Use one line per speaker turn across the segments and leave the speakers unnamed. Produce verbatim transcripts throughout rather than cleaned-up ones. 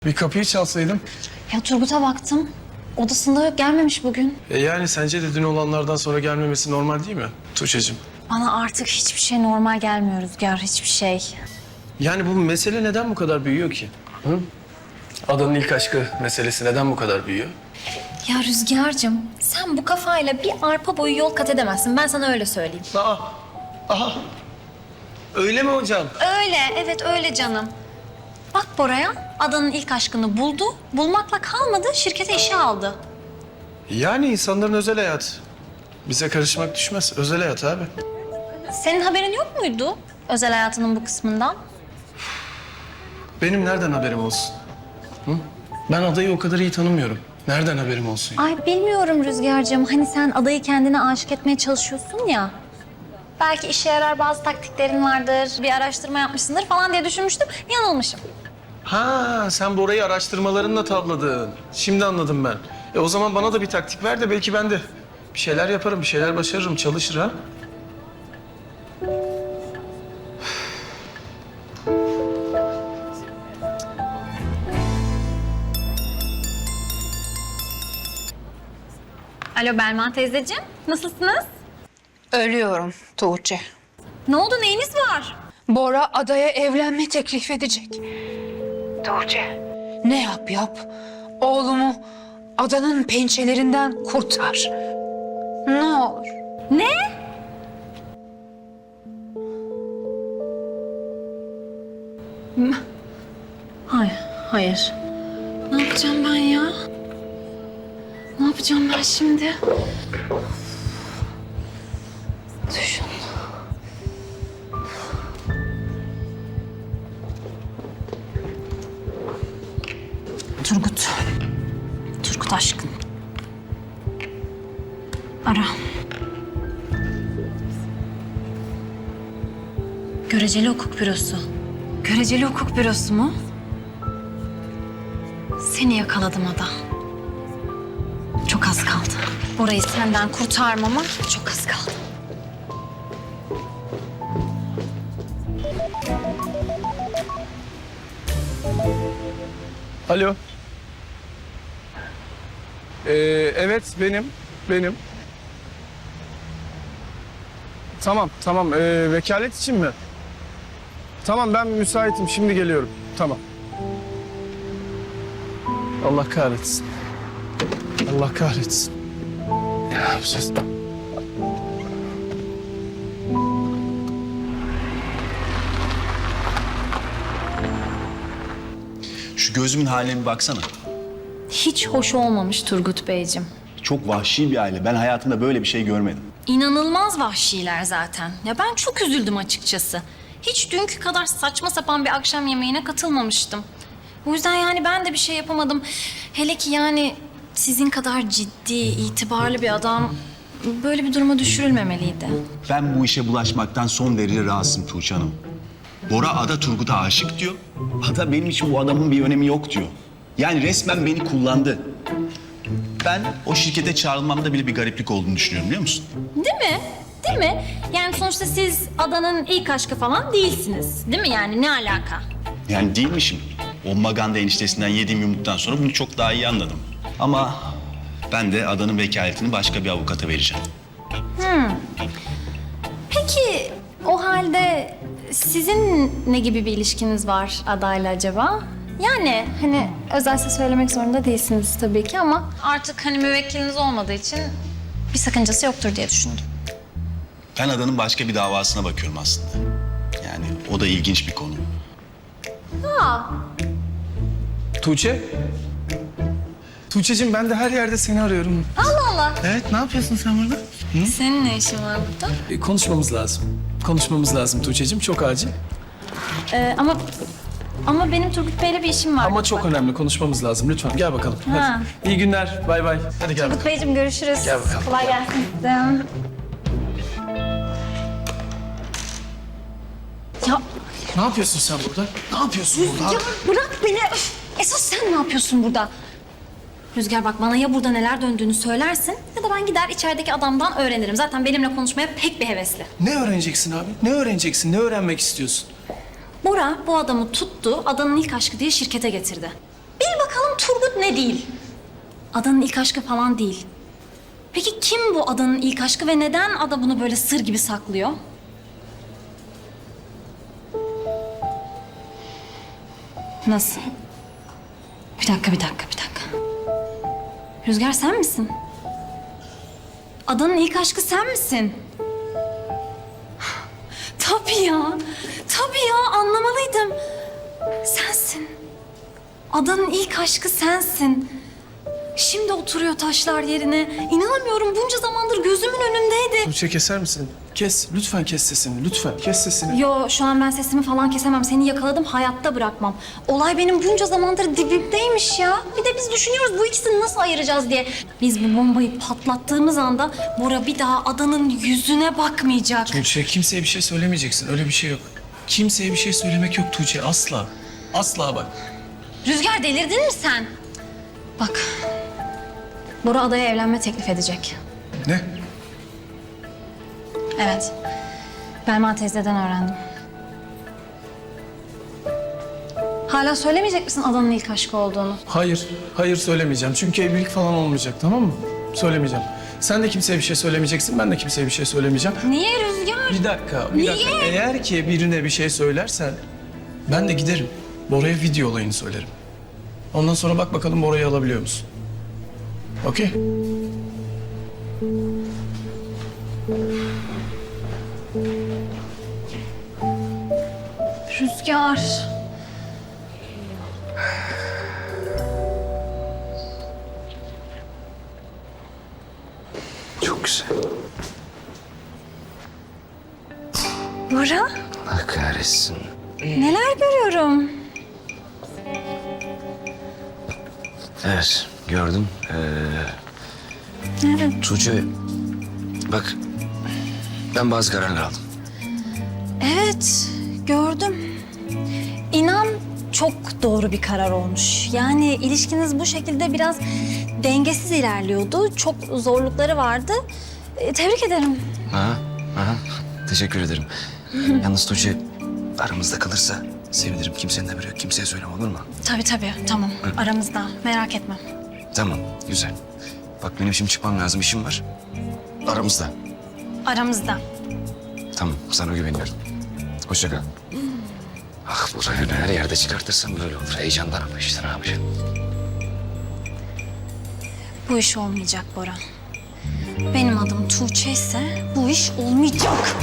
Bir kapıyı çalsaydım.
Ya Turgut'a baktım. Odasında yok, gelmemiş bugün.
E yani sence de dün olanlardan sonra gelmemesi normal değil mi Tuğçe'cim?
Bana artık hiçbir şey normal gelmiyor Rüzgar, hiçbir şey.
Yani bu mesele neden bu kadar büyüyor ki? Hı? Adanın ilk aşkı meselesi neden bu kadar büyüyor?
Ya Rüzgar'cığım, sen bu kafayla bir arpa boyu yol kat edemezsin. Ben sana öyle söyleyeyim.
Aa, aha. Öyle mi hocam?
Öyle, evet öyle canım. Bak Bora'ya, Adanın ilk aşkını buldu. Bulmakla kalmadı, şirkete işe aldı.
Yani insanların özel hayatı. Bize karışmak düşmez. Özel hayat abi.
Senin haberin yok muydu özel hayatının bu kısmından?
Benim nereden haberim olsun? Hı? Ben adayı o kadar iyi tanımıyorum. Nereden haberim olsun?
Ay bilmiyorum Rüzgar'cığım. Hani sen adayı kendine aşık etmeye çalışıyorsun ya. Belki işe yarar bazı taktiklerin vardır, bir araştırma yapmışsındır falan diye düşünmüştüm. Yanılmışım.
Ha, sen Bora'yı araştırmalarınla tavladın. Şimdi anladım ben. E o zaman bana da bir taktik ver de belki ben de bir şeyler yaparım, bir şeyler başarırım, çalışır ha.
Alo Belma teyzeciğim, nasılsınız?
Ölüyorum Tuğçe.
Ne oldu, neyiniz var?
Bora adaya evlenme teklif edecek. Tuğçe. Ne yap yap. Oğlumu adanın pençelerinden kurtar. Ne olur.
Ne? M- Hayır, hayır. Ne yapacağım ben ya? Ne yapacağım ben şimdi? Düşün. Turgut. Turgut aşkım. Ara. Göreceli hukuk bürosu. Göreceli hukuk bürosu mu? Seni yakaladım Ada. Çok az kaldı. Orayı senden kurtarmama çok az kaldı.
Alo. Ee, evet benim, benim. Tamam, tamam. Ee, vekalet için mi? Tamam, ben müsaitim. Şimdi geliyorum. Tamam. Allah kahretsin. Allah kahretsin. Ne yapacağız?
Şu gözümün haline bir baksana.
Hiç hoş olmamış Turgut Beyciğim.
Çok vahşi bir aile. Ben hayatımda böyle bir şey görmedim.
İnanılmaz vahşiler zaten. Ya ben çok üzüldüm açıkçası. Hiç dünkü kadar saçma sapan bir akşam yemeğine katılmamıştım. O yüzden yani ben de bir şey yapamadım. Hele ki yani sizin kadar ciddi, itibarlı bir adam böyle bir duruma düşürülmemeliydi.
Ben bu işe bulaşmaktan son derece rahatsızım Tuğçe Hanım. Bora Ada Turgut'a aşık diyor. Ada benim için bu adamın bir önemi yok diyor. Yani resmen beni kullandı. Ben o şirkete çağrılmamda bile bir gariplik olduğunu düşünüyorum, biliyor musun?
Değil mi? Değil mi? Yani sonuçta siz Adanın ilk aşkı falan değilsiniz. Değil mi yani? Ne alaka?
Yani değilmişim. O Maganda eniştesinden yediğim yumruktan sonra bunu çok daha iyi anladım. Ama ben de Ada'nın vekaletini başka bir avukata vereceğim.
Peki o halde sizin ne gibi bir ilişkiniz var adayla acaba? Yani hani özelse söylemek zorunda değilsiniz tabii ki ama artık hani müvekkiliniz olmadığı için bir sakıncası yoktur diye düşündüm.
Ben Ada'nın başka bir davasına bakıyorum aslında. Yani o da ilginç bir konu.
Tuğçe. Tuğçe'cim ben de her yerde seni arıyorum.
Allah Allah.
Evet, ne yapıyorsun sen burada?
Senin ne işin var burada?
E, konuşmamız lazım. Konuşmamız lazım Tuğçe'cim, çok acil.
Ee, ama ama benim Turgut Bey'le bir işim var.
Ama çok önemli, konuşmamız lazım. Lütfen gel bakalım.
Ha.
Hadi. İyi günler, bay bay. Hadi gel
Turgut
bakalım.
Beyciğim görüşürüz.
Gel bakalım.
Kolay gelsin size. Ya
Ne yapıyorsun sen burada? Ne yapıyorsun burada?
Ya bırak beni. Öf! Esas sen ne yapıyorsun burada? Rüzgar bak bana ya burada neler döndüğünü söylersin ya da ben gider içerideki adamdan öğrenirim. Zaten benimle konuşmaya pek bir hevesli.
Ne öğreneceksin abi? Ne öğreneceksin? Ne öğrenmek istiyorsun?
Bora bu adamı tuttu, Adanın ilk aşkı diye şirkete getirdi. Turgut ne değil? Adanın ilk aşkı falan değil. Peki kim bu adanın ilk aşkı ve neden ada bunu böyle sır gibi saklıyor? Nasıl? Bir dakika, bir dakika, bir dakika. Rüzgar sen misin? Adanın ilk aşkı sen misin? Tabii ya. Tabii ya, anlamalıydım. Sensin. Adanın ilk aşkı sensin. Şimdi oturuyor taşlar yerine. İnanamıyorum, bunca zamandır gözümün önündeydi.
Tuğçe keser misin? Kes. Lütfen kes sesini. Lütfen kes sesini.
Yo, şu an ben sesimi falan kesemem. Seni yakaladım, hayatta bırakmam. Olay benim bunca zamandır dibimdeymiş ya. Bir de biz düşünüyoruz bu ikisini nasıl ayıracağız diye. Biz bu bombayı patlattığımız anda Bora bir daha adanın yüzüne bakmayacak.
Tuğçe kimseye bir şey söylemeyeceksin. Öyle bir şey yok. Kimseye bir şey söylemek yok Tuğçe. Asla. Asla bak.
Rüzgar, delirdin mi sen? Bak, Bora adaya evlenme teklif edecek.
Ne?
Evet, Belma teyzeden öğrendim. Hala söylemeyecek misin adanın ilk aşkı olduğunu?
Hayır. Hayır söylemeyeceğim. Çünkü evlilik falan olmayacak, tamam mı? Söylemeyeceğim. Sen de kimseye bir şey söylemeyeceksin. Ben de kimseye bir şey söylemeyeceğim.
Niye Rüzgar?
Bir dakika, bir dakika. Eğer ki birine bir şey söylersen ben de giderim. Bora'ya video olayını söylerim. Ondan sonra bak bakalım Bora'yı alabiliyor musun? Okey?
Rüzgar.
Çok güzel.
Bora,
Allah kahretsin.
neler görüyorum?
Evet, gördüm. Ee,
Evet.
Tuğçe, bak ben bazı kararlar aldım.
Evet, gördüm. İnan çok doğru bir karar olmuş. Yani ilişkiniz bu şekilde biraz dengesiz ilerliyordu. Çok zorlukları vardı. E, tebrik ederim.
Aha, aha. Teşekkür ederim. Yalnız Tuğçe aramızda kalırsa sevinirim. Kimsenin haberi yok. Kimseye söyleme, olur mu?
Tabii tabii, tamam. Aramızda, merak etme.
Tamam, güzel. Bak benim şimdi çıkmam lazım. İşim var. Aramızda.
Aramızda.
Tamam, sana güveniyorum. Hoşça kal. Ah, bu rayonu her yerde çıkartırsam böyle olur. Heyecandan ama işte ne yapacağım?
Bu iş olmayacak Bora. Benim adım Tuğçe ise bu iş olmayacak.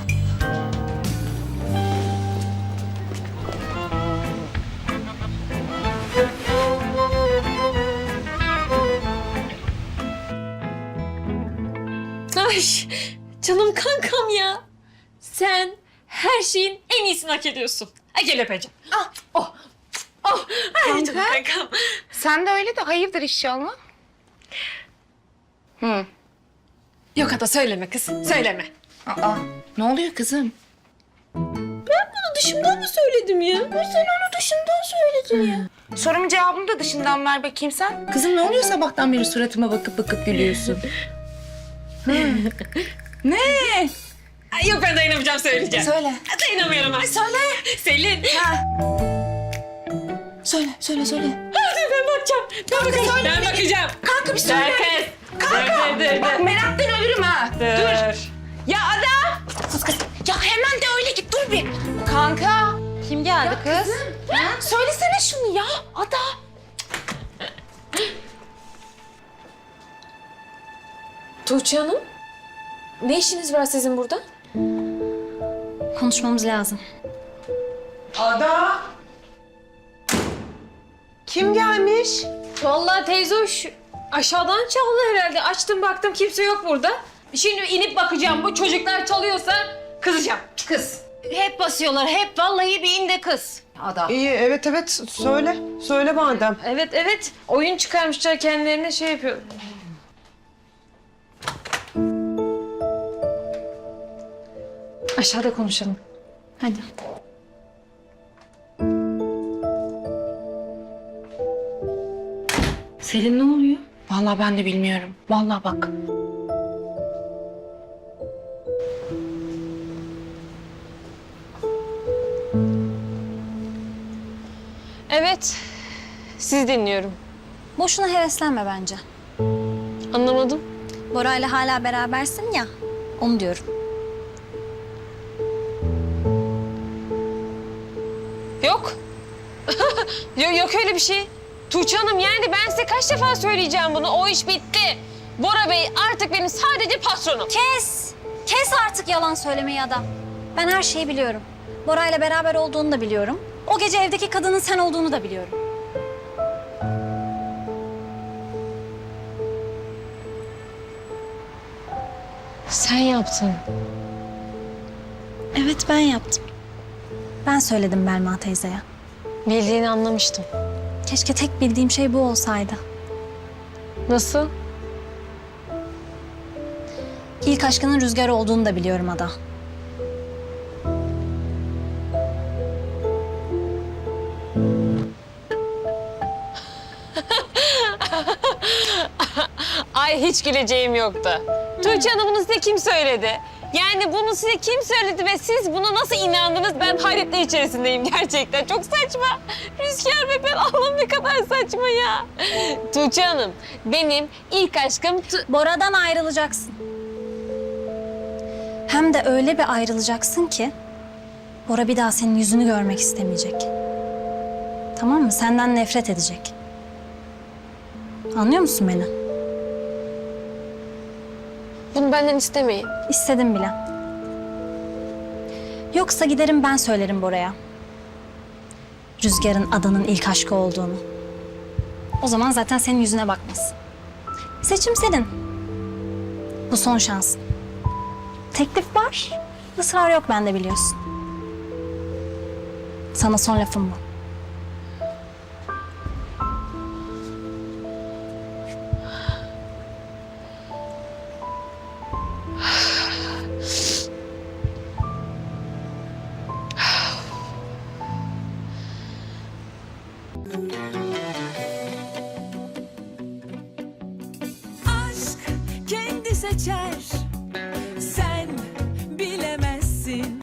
Ay canım kankam ya. Sen her şeyin en iyisini hak ediyorsun. Ay gel öpeceğim. Ah, oh, oh. Ay canım kankam.
Sen de öyle de hayırdır inşallah.
Yok ada söyleme kız, söyleme.
Aa, ne oluyor kızım?
Bunu dışımdan mı söyledim ya?
Sen onu dışından söyledin ya. Sorumun cevabını da dışından ver bakayım sen. Kızım ne oluyor sabahtan beri suratıma bakıp bakıp gülüyorsun? Ne?
Ay, yok ben dayanamayacağım söyleyeceğim.
Söyle.
Dayanamıyorum ben. Söyle. Selin.
Söyle, söyle, söyle.
Hadi ben bakacağım. Ben bakacağım.
söyle.
Ben bakacağım.
Kanka bir söyle.
Dur kız. Kanka. Dur, dur, dur.
Bak meraktan ölürüm ha.
Dur.
Ya Ada! Sus kız. Ya hemen de öyle git dur bir. Kanka. Kim geldi kız? Ha? Söylesene şunu ya Ada.
Tuğçe Hanım. Ne işiniz var sizin burada?
Konuşmamız lazım.
Ada. Kim gelmiş?
Vallahi teyze hoş. Aşağıdan çaldı herhalde. Açtım baktım kimse yok burada. Şimdi inip bakacağım. Bu çocuklar çalıyorsa kızacağım.
Kız. Hep basıyorlar. Hep vallahi bir inde kız. Ada.
İyi, evet evet. Söyle. Söyle madem.
Evet evet. Oyun çıkarmışlar kendilerine şey yapıyor. Aşağıda konuşalım.
Hadi.
Selin ne oluyor? Vallahi ben de bilmiyorum. Vallahi bak.
Evet. Sizi dinliyorum.
Boşuna heveslenme bence.
Anlamadım.
Bora'yla hala berabersin ya, onu diyorum.
Yok. yok. Yok öyle bir şey. Tuğçe Hanım yani ben size kaç defa söyleyeceğim bunu. O iş bitti. Bora Bey artık benim sadece patronum.
Kes! Kes artık yalan söylemeyi Ada. Ben her şeyi biliyorum. Bora'yla beraber olduğunu da biliyorum. O gece evdeki kadının sen olduğunu da biliyorum.
Sen yaptın.
Evet, ben yaptım. Ben söyledim Belma teyzeye.
Bildiğini anlamıştım.
Keşke tek bildiğim şey bu olsaydı.
Nasıl?
İlk aşkının Rüzgar olduğunu da biliyorum Ada.
Ay hiç güleceğim yoktu. Tuğçe Hanım bunu size kim söyledi? Yani bunu size kim söyledi ve siz buna nasıl inandınız? Ben hayretler içerisindeyim gerçekten. Çok saçma. Rüzgar ve ben Allah'ım ne kadar saçma ya. Tuğçe Hanım benim ilk aşkım... Tu-
Bora'dan ayrılacaksın. Hem de öyle bir ayrılacaksın ki Bora bir daha senin yüzünü görmek istemeyecek. Tamam mı? Senden nefret edecek. Anlıyor musun beni?
Bunu benden istemeyin.
İstedim bile. Yoksa giderim ben söylerim Bora'ya. Rüzgar'ın Adanın ilk aşkı olduğunu. O zaman zaten senin yüzüne bakmaz. Seçim senin. Bu son şansın. Teklif var, ısrar yok bende biliyorsun. Sana son lafım bu.
aşk kendi seçer